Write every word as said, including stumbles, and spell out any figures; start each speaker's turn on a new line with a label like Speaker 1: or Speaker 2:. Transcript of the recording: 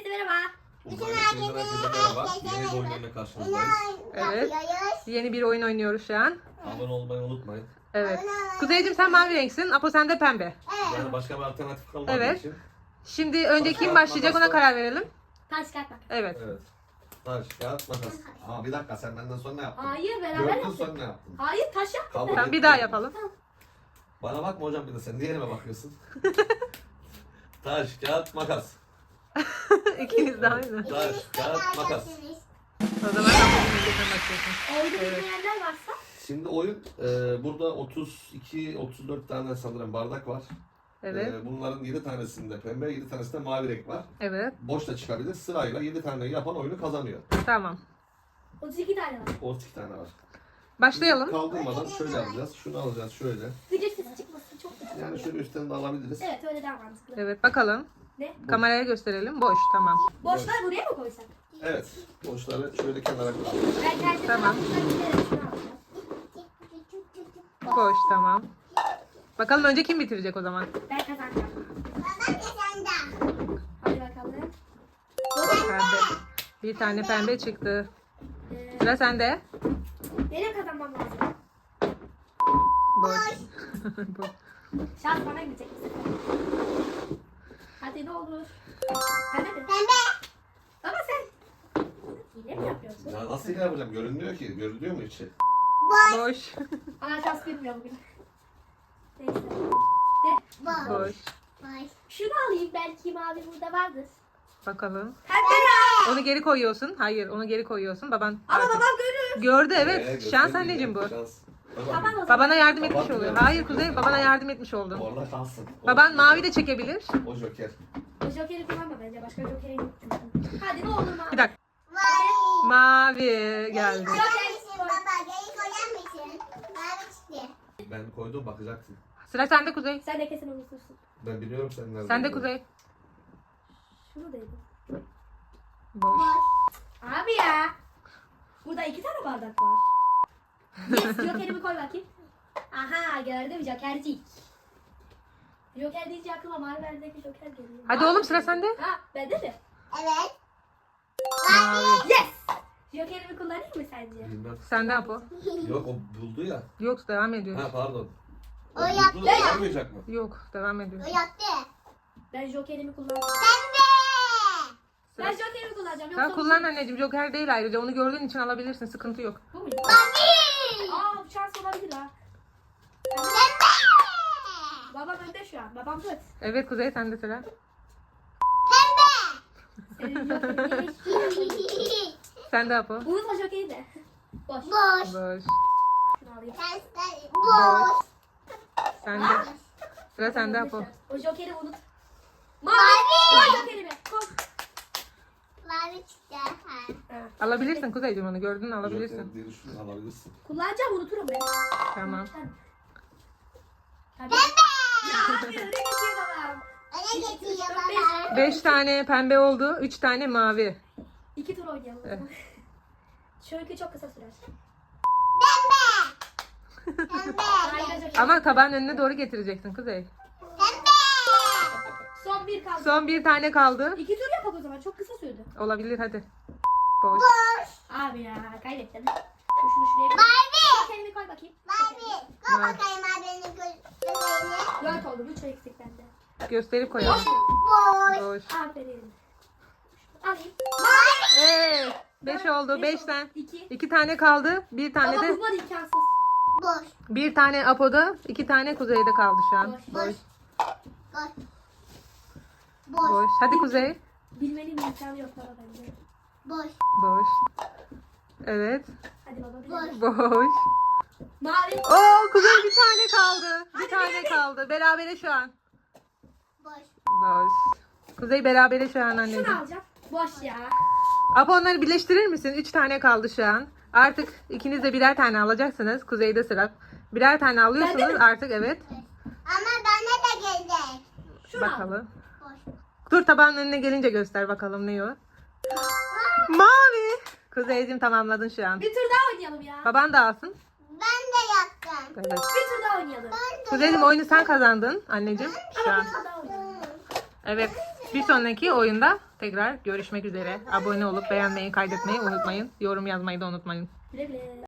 Speaker 1: merhaba.
Speaker 2: Uzman hepinize merhaba. Yeni bir oyunlarla karşınızdayız.
Speaker 3: Evet. Yeni bir oyun oynuyoruz şu an.
Speaker 2: Abone olmayı unutmayın.
Speaker 3: Evet. Kuzeyciğim sen mavi renksin. Apo sen de pembe.
Speaker 2: Yani başka bir alternatif kalmadığı
Speaker 3: Evet.
Speaker 2: için.
Speaker 3: Şimdi önce kim başlayacak ona karar verelim.
Speaker 1: Taş kağıt makas.
Speaker 3: Evet.
Speaker 2: Evet. Taş, kağıt, makas. Ama bir dakika sen benden sonra ne yaptın?
Speaker 1: Hayır beraber
Speaker 2: Gördün
Speaker 1: yaptık.
Speaker 2: sonra ne yaptın?
Speaker 1: Hayır taş yaptık.
Speaker 2: Kabul
Speaker 3: Tamam bir
Speaker 2: ettim.
Speaker 3: daha yapalım.
Speaker 2: Bana bakma hocam bir de sen diğerime bakıyorsun. Taş, kağıt, makas.
Speaker 3: İkiniz de aynı.
Speaker 2: Taş, kağıt, makas.
Speaker 3: O zaman Apo'nun önce sen başlıyorsun.
Speaker 1: Oyunu
Speaker 3: Evet.
Speaker 1: bilmeyenler varsa.
Speaker 2: Şimdi oyun e, burada otuz iki otuz dört tane sanırım bardak var.
Speaker 3: Evet.
Speaker 2: E, bunların yedi tanesinde pembe, yedi tanesinde mavi renk var.
Speaker 3: Evet.
Speaker 2: Boş da çıkabilir. Sırayla yedi tane yapan oyunu kazanıyor.
Speaker 3: Tamam.
Speaker 1: otuz iki tane var.
Speaker 2: otuz iki tane var.
Speaker 3: Başlayalım.
Speaker 2: Kaldırmadan şöyle alacağız. Şunu alacağız şöyle.
Speaker 1: Gıcır sesi çıkmasın çok güzel.
Speaker 2: Yani şöyle üstten de alabiliriz.
Speaker 1: Evet öyle daha mantıklı.
Speaker 3: Evet bakalım.
Speaker 1: Ne?
Speaker 3: Kameraya gösterelim. Boş tamam.
Speaker 1: Boşları buraya mı koysak?
Speaker 2: Evet. Boşları şöyle kenara koyalım.
Speaker 1: Ben kendim
Speaker 3: Tamam.
Speaker 1: giderim şunu alacağım.
Speaker 3: Boş tamam. Bakalım önce kim bitirecek o zaman?
Speaker 1: Ben kazanacağım. Hadi bakalım.
Speaker 3: Pembe. Bir tane pembe çıktı.
Speaker 1: Ee,
Speaker 3: Sıra sende.
Speaker 1: benim kazanmam lazım.
Speaker 3: Boş. Boş.
Speaker 1: Şans bana gidecek bu sefer. Hadi ne olur. Pembe mi? Ama sen hile mi yapıyorsun?
Speaker 2: Ya nasıl hile yapacağım? Görünmüyor ki. Görünüyor mu içi?
Speaker 3: Boş.
Speaker 1: Ana şans bilmiyor bugün. Neyse. Ne?
Speaker 3: Boş.
Speaker 1: Şunu alayım belki mavi burada vardır.
Speaker 3: Bakalım.
Speaker 1: Pembe.
Speaker 3: Onu geri koyuyorsun. Hayır onu geri koyuyorsun. Baban
Speaker 1: Ama
Speaker 3: artık-
Speaker 1: babam görür.
Speaker 3: gördü
Speaker 2: Ee,
Speaker 3: evet.
Speaker 2: göstereyim
Speaker 3: Şans
Speaker 2: ya,
Speaker 3: anneciğim bu.
Speaker 2: Şans.
Speaker 1: Baban
Speaker 2: Tamam.
Speaker 1: o zaman.
Speaker 3: Babana yardım
Speaker 2: Baban
Speaker 3: etmiş oluyor.
Speaker 2: diyor.
Speaker 3: Hayır Kuzey babana yardım etmiş oldun.
Speaker 2: Orada şanssın. O-
Speaker 3: Baban mavi de çekebilir.
Speaker 2: O joker.
Speaker 1: O jokeri kullanma bence. Başka jokeri yok çünkü. Hadi ne olur mavi.
Speaker 3: Bir dakika. Mavi geldi.
Speaker 2: Ben koydum bakacaksın.
Speaker 3: Sıra sende Kuzey.
Speaker 1: Sen de kesin unutursun.
Speaker 2: Ben biliyorum sen nerede.
Speaker 3: Sende
Speaker 2: olduğunu.
Speaker 3: Kuzey.
Speaker 1: Şunu dedim.
Speaker 3: Boş.
Speaker 1: Abi ya. Burada iki tane bardak var. Yes, jokerimi koy bakayım. Aha gördüm jokercik. Joker deyince aklıma Marvel'deki joker geliyor.
Speaker 3: Hadi oğlum sıra sende.
Speaker 1: Ha bende mi?
Speaker 3: Mavi.
Speaker 1: Yes! Jokerimi kullanayım mı sence?
Speaker 2: Bilmem.
Speaker 3: Sende Apo.
Speaker 2: Yok o buldu ya.
Speaker 3: Yok devam ediyor.
Speaker 2: Ha pardon.
Speaker 4: O yaptı
Speaker 2: buldu,
Speaker 4: ya.
Speaker 2: olmayacak mı?
Speaker 3: Yok devam ediyor.
Speaker 1: Ben jokerimi kullanacağım. Ben
Speaker 3: Sıra.
Speaker 1: jokerimi kullanacağım.
Speaker 3: Sen
Speaker 1: Yoksa
Speaker 3: kullan anneciğim. Joker değil ayrıca. Onu gördüğün için alabilirsin. Sıkıntı yok.
Speaker 1: bu muydu? Aa bu şans olabilir ha. Babam önde şu an. Babam tut.
Speaker 3: Evet Kuzey sende sıra.
Speaker 1: Senin jokerini.
Speaker 3: Sende Apo.
Speaker 1: Unutma jokeri de. Boş.
Speaker 4: Boş.
Speaker 3: Boş.
Speaker 1: Şunu alayım.
Speaker 4: Boş.
Speaker 3: Sende. Sıra sende Apo.
Speaker 1: O jokeri unut. Mavi. Koy jokerimi. Koy.
Speaker 4: Mavi çıktı. Ha.
Speaker 3: Alabilirsin Kuzeyciğim onu. Gördün alabilirsin.
Speaker 2: Joker diye düşün alabilirsin.
Speaker 1: Kullanacağım unuturum ben.
Speaker 3: Tamam.
Speaker 1: Tabii. Ya abi öyle geçiyor babam.
Speaker 4: Öne getiriyor
Speaker 1: Dört,
Speaker 4: baba.
Speaker 3: Beş tane pembe oldu. Üç tane mavi.
Speaker 1: İki tur oynayalım. o zaman. Çünkü çok kısa sürer.
Speaker 4: Pembe.
Speaker 1: Hayır, joker.
Speaker 3: Ama tabağın önüne doğru getireceksin Kuzey.
Speaker 4: Pembe.
Speaker 1: Son bir kaldı.
Speaker 3: Son bir tane kaldı.
Speaker 1: İki tur yapak o zaman. Çok kısa sürdü.
Speaker 3: Olabilir hadi. Boş.
Speaker 1: Abi ya kaybettim. Dur şunu şuraya bir...
Speaker 4: Mavi.
Speaker 1: Jokerimi koy bakayım.
Speaker 4: Mavi. Koy bakayım abinin gözlerini.
Speaker 1: Dört oldu. Üç eksik bende.
Speaker 3: Gösterip koyalım.
Speaker 4: Boş.
Speaker 3: Boş.
Speaker 1: Aferin. Alayım.
Speaker 4: Mavi.
Speaker 3: Evet. Beş oldu.
Speaker 1: Beş
Speaker 3: Beşten.
Speaker 1: oldu. İki.
Speaker 3: İki tane kaldı. Bir tane
Speaker 1: Ama
Speaker 3: de
Speaker 1: bulman imkansız.
Speaker 4: Boş.
Speaker 3: bir tane Apo'da, iki tane Kuzey'de kaldı şu an.
Speaker 1: Boş.
Speaker 3: Boş.
Speaker 4: Boş. Boş. Boş.
Speaker 3: Boş. Hadi Kuzey.
Speaker 1: Bilmenin imkanı yok baba bence.
Speaker 4: Boş.
Speaker 3: Boş. Evet.
Speaker 1: Hadi baba
Speaker 4: Boş.
Speaker 1: bilelim.
Speaker 3: Boş.
Speaker 1: Mavi.
Speaker 3: Oo Kuzey bir tane kaldı. Bir tane kaldı. Berabere şu an.
Speaker 4: Boş.
Speaker 3: Boş. Kuzey berabere şu an
Speaker 1: Şunu
Speaker 3: anneciğim.
Speaker 1: alacağım. Boş ya.
Speaker 3: Apo onları birleştirir misin? Üç tane kaldı şu an. Artık ikiniz de birer tane alacaksınız. Kuzey'de sıra. Birer tane
Speaker 1: Bende
Speaker 3: alıyorsunuz
Speaker 1: mi?
Speaker 3: artık evet.
Speaker 4: Ama bana da gelecek.
Speaker 1: Şunu al.
Speaker 3: Bakalım.
Speaker 4: Boş.
Speaker 3: Dur tabağın önüne gelince göster bakalım ne o. Mavi. Kuzeyciğim tamamladın şu an.
Speaker 1: Bir tur daha oynayalım ya.
Speaker 3: Baban da alsın.
Speaker 4: Ben de yaptım.
Speaker 3: Evet.
Speaker 1: Bir tur daha oynayalım.
Speaker 4: Ben de
Speaker 3: Kuzeyciğim oyunu sen kazandın anneciğim şu
Speaker 1: Ama
Speaker 3: an.
Speaker 1: bir tur daha oynayalım.
Speaker 3: Evet. Bir sonraki oyunda tekrar görüşmek üzere. Abone olup beğenmeyi, kaydetmeyi unutmayın. Yorum yazmayı da unutmayın.
Speaker 1: Güle güle.